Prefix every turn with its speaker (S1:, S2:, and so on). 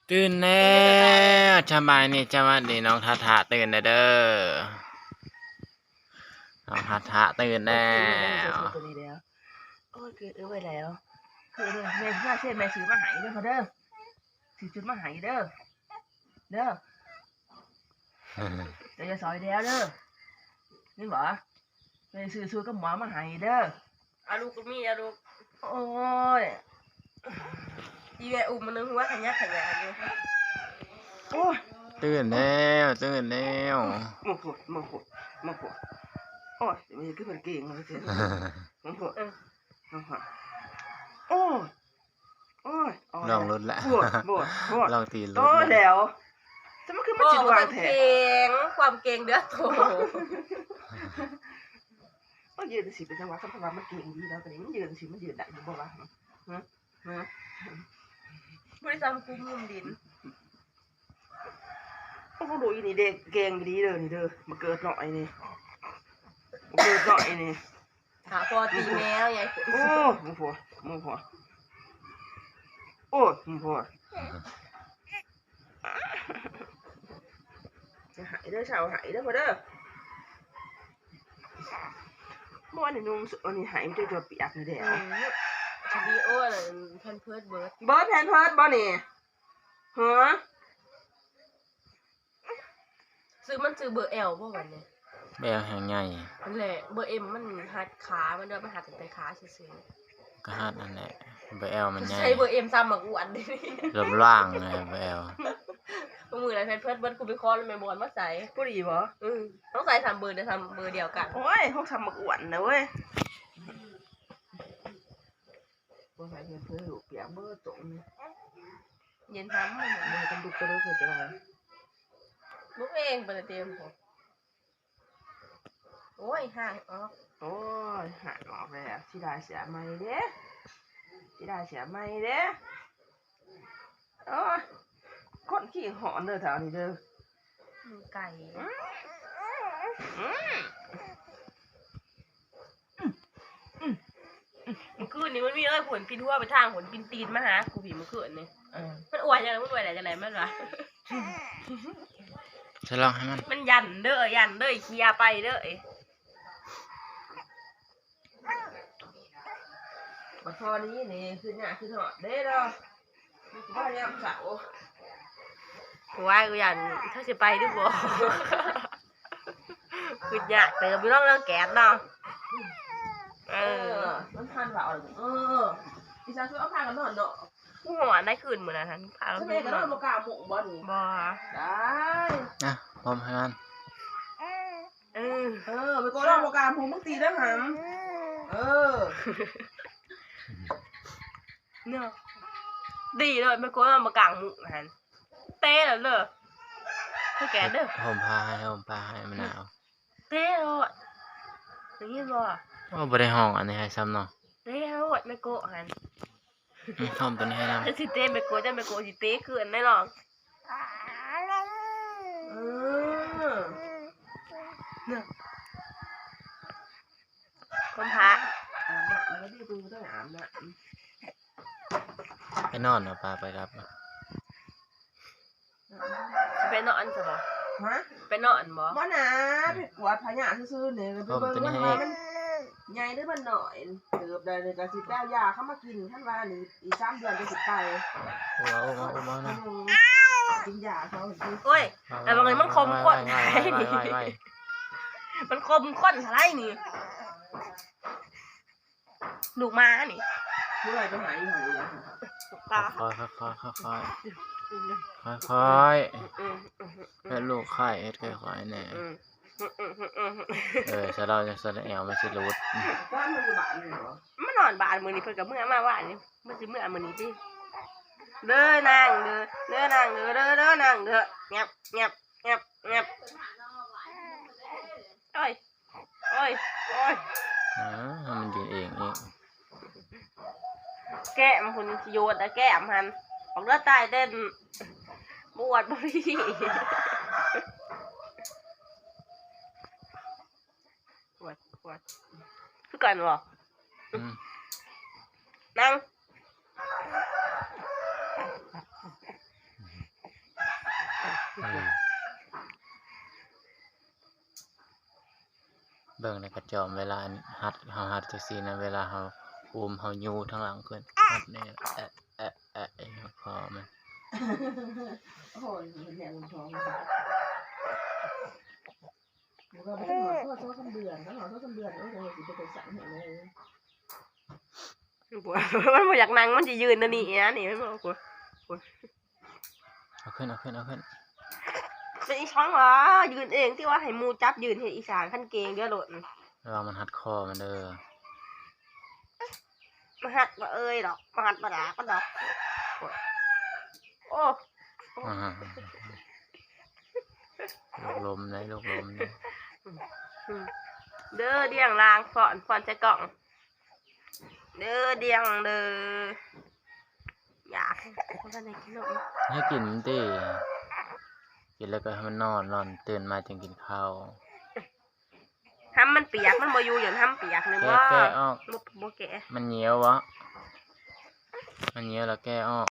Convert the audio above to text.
S1: ตื่นแล้วสบายนี่จังหวะนี้น้องทาทาตื่นแล้วเด้อน้องทาทาตื่นแล้ว
S2: ตัวนี้แล้วโอ้ยเกิดไว้แล้วคือเด้อแม่ว่าเช่นแม่ซื้อมาหายเด้อพอเด้อซื้อชุดมาหายเด้อเด้อเดี๋ยวจะซอยแล้วเด้อนี่บ่แม่ซื้อชุดกับหมอมาหายเด้ออาลูกก็มีอาลูกโอ้ยอีแม่อุ้มมันนึงหัวขยักขยายอยู่โอ้ย
S1: ตื่นแล้วตื่นแล้ว
S2: มาปวดโอ้ยมันคือเป็นเก่งเลยเถอะมาปวดมาปวดโอ้ย
S1: ลองรถละลองตีรถ
S2: โอ้เดี๋ยวจะมาขึ้นมาจิตวางแผน
S3: ความเก่งเด้อโถ
S2: ก็ยืนสิเป็นจังหวะสำคัญมันเก่งดีแล้วแต่นี้มันยืนสิมันยืนได้อยู่บ่วะ
S3: บริษัทกูมุมดิน
S2: โอ้โหดูอีนี่เด็กเก่งดีเลยนี่เด้อมาเกิดหน่อยนี่มาเกิดหน่อยนี่
S3: หาพอตีแมวใหญ่
S2: โอ้มึงผัวโอ้มึงผัวจะหายเด้อชาวหายเด้อพอเด้อเมื่อวานนี่นุ่งอันนี้หายไม่ได้ตัวเปียกนี่เด้อ
S3: ชดีโอ้เลยแพนเพิร์ดเบิร์ด
S2: แพนเพิร์ดบ่นี่ฮะ
S3: ซื้อมันซื้อเบอร์เอลบ่วันนี้
S1: แบลแหงใหญ่
S3: นั่นแหละเบอร์เอ็มมันหัดขามันเดินไปหัดแต่ขาซื่อ
S1: ๆก็หัดนั่นแหละเบลมันใหญ่
S3: ใช้เบอร์เอ็มซ้ำมากูอันนี้
S1: ลมล่างเลยเบล
S3: มืออะไรแพนเพิร์ดเบิร์ดกูไปคอแล้วแม่บอลมาใส่
S2: ผู้ดีบ่
S3: ต้องใส่3 เบอร์เดี๋ยวทำเบอร์เดียวกัน
S2: โอ้ยเขาทำมาอ้วนนะเว้ยบ่ใส่เพื่อลูกเปียกเบอร์ตรง
S3: เย็นทำ
S2: เบอร์กันดุกกระโดดเกิดจะอะไร
S3: ลูกเองไปเต็มโอ้ยห่างออก
S2: โอ้ยห่างออกแล้วที่ได้เสียไม่เด้โอ้ยคนขี้หอนเด้อแถวนี้เด้อ
S3: ไก่มันคืนนี้มันมีผลปินหัวไปทางผลปินตีนมาหากูผีมันคืนนี่มันอวยยังไงมันอวยอะไรจังไรมันวะ
S1: จะลองให้
S3: มันยันเด้อเคลียไปเด้อ
S2: บัดพอนี้นี่คือหน้าคือหอดเด้อเนาะมันก็ยามเสา
S3: ว่ากูยันถ้าจะไปด้วยบ่คืออยากเติมไปน้องเรื่องแก๊สเนาะ
S2: มันพันเบาดิฉันช่วยเอาพากันนอนเนาะ
S3: กูหัวได้คืนเหมือนนั้นพาเรา
S2: ไปนอนโมกาหมกบ่นี่
S3: บ่
S2: ได้
S1: นะพร้อมให้มัน
S2: ไปโกนโมกาหมกมึงตีได้หำ
S3: เนาะดีเลยไปโกนมากางหมุกหันเต้แล้วเลยให้แกเด้อ
S1: ผมพาให้มะนาว
S3: เต้เลยอย่างนี้บ่
S1: โอ้บ่ได้ห้องอันนี้ให้ซ้ำเนาะ
S3: เต้เลยไม่โกหัน
S1: ห้องตัวนี้ให้นำ
S3: สิเต้ไม่โกจะไม่โกสิเต้คืนได้หรอกเนี่ยคนพระ
S2: แล้วที่กูต้องอาบนะ
S1: ไปนอนเนาะปลาไปรับ
S3: ไปนอนจ้ะบ่
S2: ฮะ
S3: ไปนอนบ่
S2: บ่นะไปกวาดพญาซื่อๆเนี่ยไปเบิ่งมันใหญ่หรือมันหน่อยเติบได้เลยก็สิแป้วยาเข้ามากินท่านว่านี่อีก3 เดือนจะสิไป
S1: ว้าวนะ
S2: กินยาเขา
S3: โอ้ยแต่บางทีมันคมข้นมันคมข้นอะไรนี่ลูกม้านี่
S2: เมื่อไรจะหายหายเลย
S1: ค่อยให้ลูกไข่เฮ็ดค่อยๆแน่จะเราจะแสดงแอวมันสิรูด
S2: บ้านมันอยู่บ้านเลยเหรอ
S3: มันนอนบ้านมื้อนี้เพิ่นก็เมื่อมาบ้านนี่มันสิเมื่อมื้อนี้ติเด้อนางเด้อนางเด้อเงียบโอ้ย
S1: มันยืนเอง
S3: แก้มคุณโยนแต่แก้มหันออกเลือดตายเต้นบวชบ่ดีปวดคือกันบ่นั่ง
S1: เบิ่งในกระจอมเวลาหัดเฮาหัดจังซี่นะเวลาเฮาอุ้มเฮายูทางหลังขึ้นหัดนี่คอมัน
S2: โอ้ยแม่อุ่นท้องมันก็ไม่ต้องหอดโทษ3 เดือนก็หอดโทษ3 เดือนโอ้ยสิไปสั่งให้เลย
S3: มันบ่อยากนั่งมันจะยืนนะนี่นะนี่มันบอกกู
S1: เอาขึ้น
S3: เป็นอีช้องวะยืนเองที่ว่าให้หมูจับยืนเห็นอีสานขั้นเกงเดี๋ยวโหลด
S1: ระวังมันหัดคอมันเด้อ
S3: มาหัดมาเอ้ยดอกมาหัดมาด่าก็ดอกโอ้
S1: อ่าลูกลมเลย
S3: เด้อเดียงลางฟอนใส่กล่องเด้อเดียงเด้ออยากคนกันไหนกินนม
S1: ให้กินมันติกินแล้วก็ให้มันนอนตื่นมาจึงกินข้าว
S3: ห้ำมันเปียกมันบ่อยู่อย่างห้ำเปียกนึงว่า
S1: แก้ออก
S3: บ่แกะ
S1: มันเหนียววะมันเหนียวแล้วแก้ออก